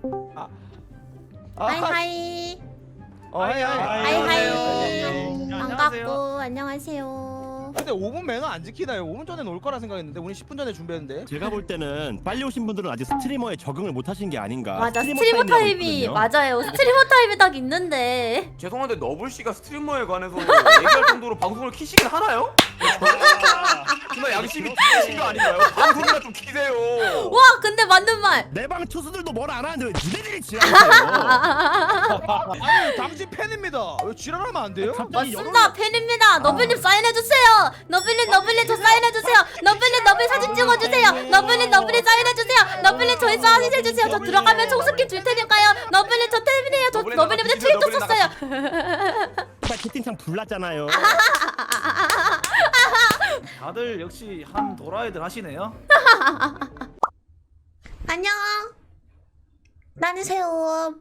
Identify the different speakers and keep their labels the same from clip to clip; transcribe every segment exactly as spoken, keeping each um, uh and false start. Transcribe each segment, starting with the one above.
Speaker 1: 아,
Speaker 2: 하이하이.
Speaker 1: 어, 하이 하이.
Speaker 2: 하이하이.
Speaker 3: 안녕하세요.
Speaker 2: 반갑고 안녕하세요.
Speaker 1: 근데 오 분 매너 안 지키나요? 오 분 전에 올 거라 생각했는데 우리 십 분 전에 준비했는데.
Speaker 4: 제가 볼 때는 빨리 오신 분들은 아직 스트리머에 적응을 못 하신 게 아닌가.
Speaker 2: 맞아,
Speaker 4: 스트리머
Speaker 2: 스트리머
Speaker 4: 타임이라고
Speaker 2: 타임이
Speaker 4: 있거든요.
Speaker 2: 맞아요. 스트리머 타임이 딱 있는데.
Speaker 3: 죄송한데 너블 씨가 스트리머에 관해서 얘기할 정도로 방송을 키시긴 하나요? 정말 양심이 키신 거 아닌가요? 방송이나 좀 키세요.
Speaker 2: 와, 근데 맞는 말.
Speaker 4: 내 방 투수들도 뭘 안 하는데 왜 니네들이 지랄하세요?
Speaker 1: 아니 당신 팬입니다. 왜 지랄하면 안 돼요?
Speaker 2: 맞습니다. 팬입니다. 너블님 사인해주세요. 너블님, 너블님 저 사인해주세요. 너블님, 너블 사진 찍어주세요. 너블님, 너블님 사인해주세요. 너블님 저희 사인 해주세요. 저 들어가면 총스킨 줄 테니까요. 너블님 저 팬이에요. 저
Speaker 3: 너블린
Speaker 2: 너블님한테
Speaker 3: 나가,
Speaker 2: 트윗도
Speaker 3: 너블린
Speaker 2: 썼어요.
Speaker 4: 정말 채팅창 불났잖아요.
Speaker 5: 다들 역시 한 도라이들 하시네요.
Speaker 2: 안녕. 나는 새우.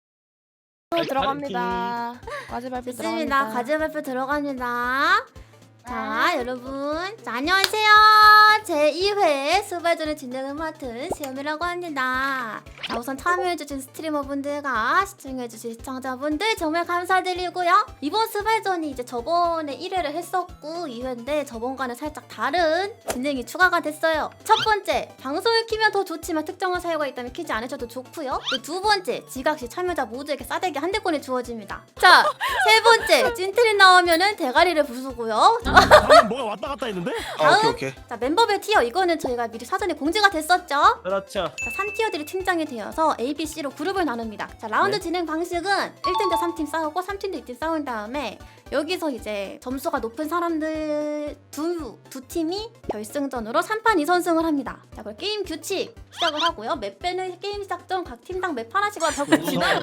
Speaker 6: 들어갑니다. 과제 발표
Speaker 2: 좋습니다.
Speaker 6: 들어갑니다.
Speaker 2: 과제 발표 들어갑니다. 자, 여러분. 자, 안녕하세요. 제이 회 수발전의 진행을 맡은 시험이라고 합니다. 자, 우선 참여해주신 스트리머분들과 시청해주신 시청자분들 정말 감사드리고요. 이번 수발전이 이제 저번에 일 회를 했었고 이 회인데 저번과는 살짝 다른 진행이 추가가 됐어요. 첫 번째, 방송을 키면 더 좋지만 특정한 사유가 있다면 키지 않으셔도 좋고요. 두 번째, 지각시 참여자 모두에게 싸대기 한 대권이 주어집니다. 자, 세 번째, 찐트리 나오면은 대가리를 부수고요.
Speaker 4: 방금 뭐가 왔다 갔다 했는데?
Speaker 3: 아, 오케이 오케이.
Speaker 2: 자, 멤버별 티어 이거는 저희가 미리 사전에 공지가 됐었죠.
Speaker 5: 그렇죠.
Speaker 2: 자, 삼 티어들이 팀장이 되어서 A, B, C로 그룹을 나눕니다. 자, 라운드
Speaker 5: 네.
Speaker 2: 진행 방식은 일 팀 대 삼 팀 싸우고 삼 팀 대 이 팀 싸운 다음에 여기서 이제 점수가 높은 사람들 두, 두 팀이 결승전으로 삼 판 이 선승을 합니다. 자, 그럼 게임 규칙 시작을 하고요. 맵 빼는 게임 시작 전 각 팀당 맵 하나씩 적고 지나가요.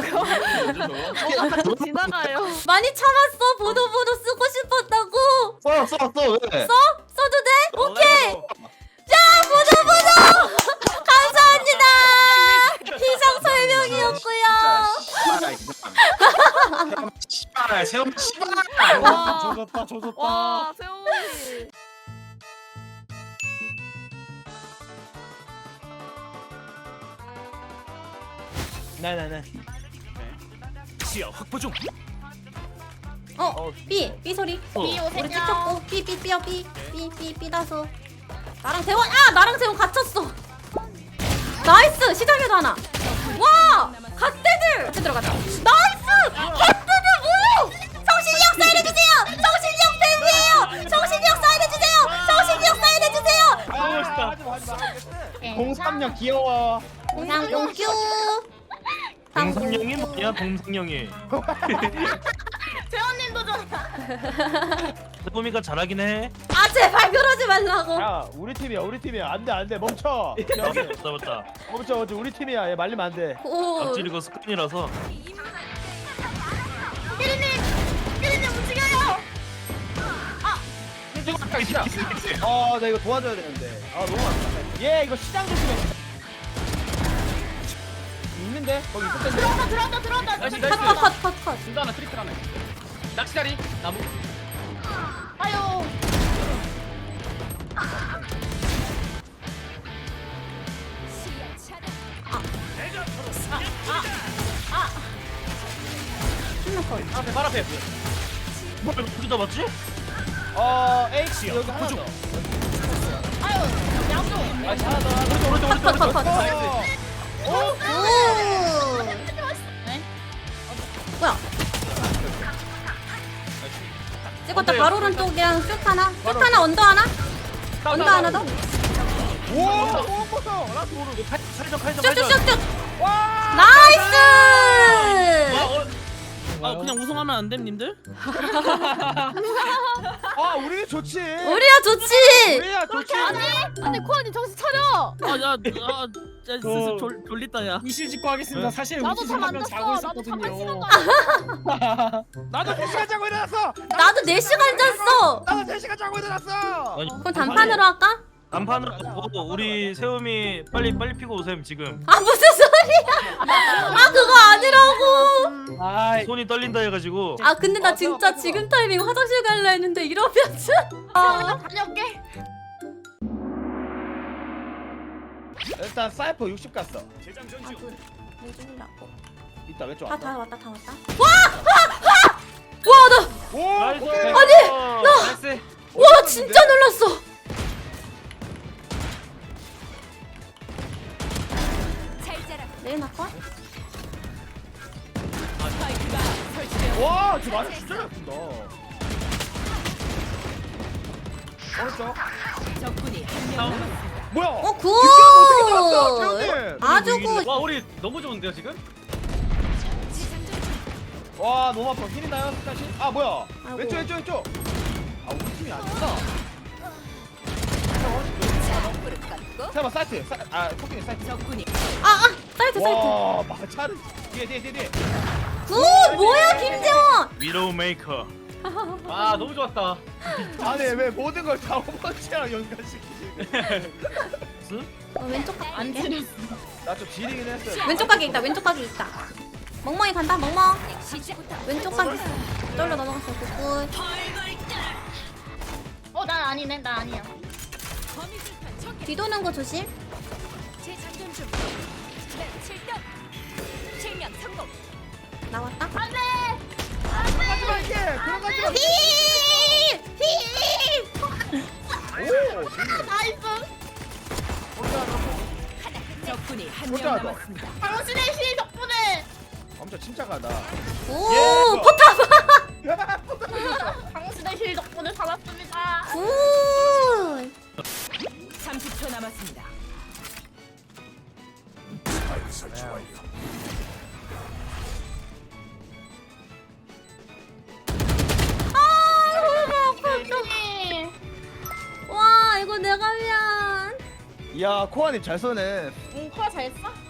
Speaker 6: 지나가요.
Speaker 2: 많이 참았어. 보도 보도 쓰고 싶었다고.
Speaker 1: 써, 써, 써. 왜?
Speaker 2: 써도 돼? 오케이. 자, 보도 보도. 감사합니다. 희상 설명이었고요.
Speaker 3: 씨발, 세움 씨발.
Speaker 6: 와,
Speaker 1: 조졌다, 조졌다.
Speaker 6: 와, 세훈이.
Speaker 5: 네네네.
Speaker 4: 지하 확보 중.
Speaker 2: 어, B, B 소리.
Speaker 6: B 오세요.
Speaker 2: 우리 찍혔고, B, B, B야, B, B, B, B 다소. 나랑 재원, 아, 나랑 재원 갇혔어. 나이스, 시장에도 하나. 와, 갓대들. 같이 들어가자. 나이스, 갓대들 뭐요? 정신력 사인해주세요. 정신력 팬이에요. 정신력 사인해주세요. 정신력 사인해주세요.
Speaker 1: 아, 멋있다. 하지 마, 하지 마. 공삼력 귀여워.
Speaker 2: 공상 공규.
Speaker 5: 동성령이 뭐냐? 동성령이.
Speaker 6: 세훈님도 좀.
Speaker 5: 세범이가 잘하긴 해.
Speaker 2: 아, 제발 그러지 말라고.
Speaker 1: 야, 우리 팀이야, 우리 팀이야. 안 돼, 안 돼. 멈춰.
Speaker 5: 맞다 맞다.
Speaker 1: 멈춰, 멈춰. 우리 팀이야. 얘 말리면 안 돼.
Speaker 2: 오.
Speaker 5: 악질 이거 습관이라서.
Speaker 1: 아, 나 이거 도와줘야 되는데. 아, 너무 많다. 얘 이거 시장 조심해. 있는데? 거기 있을 텐데.
Speaker 6: 들어온다, 들어온다, 들어온다.
Speaker 5: 나이스
Speaker 2: 컷,
Speaker 5: 나이스.
Speaker 2: 컷, 컷, 컷, 컷.
Speaker 5: 둘다 하나 트리플 하나. 낚시다리 나무.
Speaker 6: 아유.
Speaker 5: 앞에 발 앞에. 뭐 둘이 다 맞지?
Speaker 1: 어, H 여기 하나 더.
Speaker 6: 아유. 양쪽.
Speaker 1: 아, 하나 더. 하나 더.
Speaker 5: 오른쪽 오른쪽
Speaker 2: 컷, 컷,
Speaker 5: 오른쪽.
Speaker 2: 컷.
Speaker 1: 어.
Speaker 2: 오. 뭐야? 찍었다.
Speaker 5: 어때요?
Speaker 2: 바로 오른쪽이랑 슛 하나, 슛 하나, 언더 하나, 언더 하나 더.
Speaker 1: 우와, 오, 뻗어. 나 도로.
Speaker 5: 칼전 칼전
Speaker 2: 슛, 슛,
Speaker 5: 칼전.
Speaker 2: 슛, 슛.
Speaker 1: 와!
Speaker 2: 나이스.
Speaker 5: 아 그냥 우승하면 안 됨, 님들?
Speaker 1: 아, 우리 좋지.
Speaker 2: 우리야 좋지.
Speaker 1: 우리야 좋지.
Speaker 6: 아니, 코아님 정신 차려.
Speaker 5: 아야아 아, 슬슬 졸 졸리다 야.
Speaker 7: 위시 짓고 하겠습니다. 사실
Speaker 6: 나도
Speaker 7: 위시
Speaker 6: 잠 안
Speaker 7: 하면
Speaker 6: 잤어.
Speaker 7: 자고
Speaker 6: 나도 잠깐 시간
Speaker 7: 있었거든요.
Speaker 6: 가.
Speaker 1: 나도 세 시간 자고 일어났어.
Speaker 2: 나도 네 시간 잤어.
Speaker 1: 나도 세 시간 자고 일어났어.
Speaker 5: 아니,
Speaker 2: 그럼 단판으로 할까?
Speaker 5: 단판으로 하고 우리 세움이 빨리 빨리 피고 오셈 지금.
Speaker 2: 아, 무슨 소리야? 아, 그거 아니라고.
Speaker 7: 아,
Speaker 5: 손이 떨린다 해가지고.
Speaker 2: 아, 근데 나 진짜 지금 타이밍 화장실 갈라 했는데 이러면 아.
Speaker 6: 다녀올게.
Speaker 1: 일단 사이퍼 육십 갔어.
Speaker 2: 아군 왜 죽으려고?
Speaker 1: 이따 왼쪽
Speaker 2: 다
Speaker 1: 왔다.
Speaker 2: 다 왔다 다 왔다. 와! 와! 와 나!
Speaker 1: 오!
Speaker 5: 나이스.
Speaker 1: 오케이.
Speaker 2: 아니,
Speaker 5: 나이스.
Speaker 2: 와 진짜 놀랐어. 레이나 컷?
Speaker 1: 와, 저 맞아 진짜 잘 푼다. 오른쪽. 뭐야?
Speaker 2: 어 굿!
Speaker 1: 어떻게 들어왔어, 태훈님?
Speaker 2: 아주 굿.
Speaker 5: 와 우리 너무 좋은데요 지금?
Speaker 1: 와, 너무 아파. 힐이 나요, 다시. 아, 뭐야?
Speaker 2: 아이고.
Speaker 1: 왼쪽, 왼쪽, 왼쪽. 아, 우리 팀이 아니구나. 잠깐만, 사이트. 사, 아, 토끼님 사이트.
Speaker 2: 아아 사이트 사이트.
Speaker 1: 와, 마차를. 뒤에, 뒤에, 뒤에, 뒤에.
Speaker 2: 굿! 뭐야 김재원?
Speaker 5: 위로우 메이커. 아 너무 좋았다.
Speaker 1: 아니, 왜 모든 걸 다 오버워치랑 연관시키지?
Speaker 2: 어, 왼쪽 각
Speaker 6: 안
Speaker 2: 갈게.
Speaker 6: 지렸어.
Speaker 1: 나좀 지리긴 했어요.
Speaker 2: 왼쪽 각이 있다. 왼쪽 각이 있다. 멍멍이 간다. 멍멍. 왼쪽 각 있어. 떨려 넘어갔어. 굿.
Speaker 6: 어, 난 아니네. 나 아니야.
Speaker 2: 뒤도는 거 조심. 나왔다.
Speaker 6: 안돼.
Speaker 1: 들어가지 마, 이게! 들어가지 마!
Speaker 2: 히! 히!
Speaker 1: 오!
Speaker 6: 나이스.
Speaker 8: 적군이 한 명
Speaker 1: 혼자 하자.
Speaker 8: 남았습니다.
Speaker 6: 당신의 힐 덕분에
Speaker 1: 엄청 침착하다.
Speaker 2: 오!
Speaker 1: 예,
Speaker 2: 포탑!
Speaker 6: 당신의 힐 덕분에 살았습니다.
Speaker 2: 굿!
Speaker 8: 삼십 초 남았습니다.
Speaker 6: 네.
Speaker 2: 와, 이거 내가 미안.
Speaker 1: 이야, 코아님 잘 쏘네.
Speaker 6: 응, 코아 잘 써?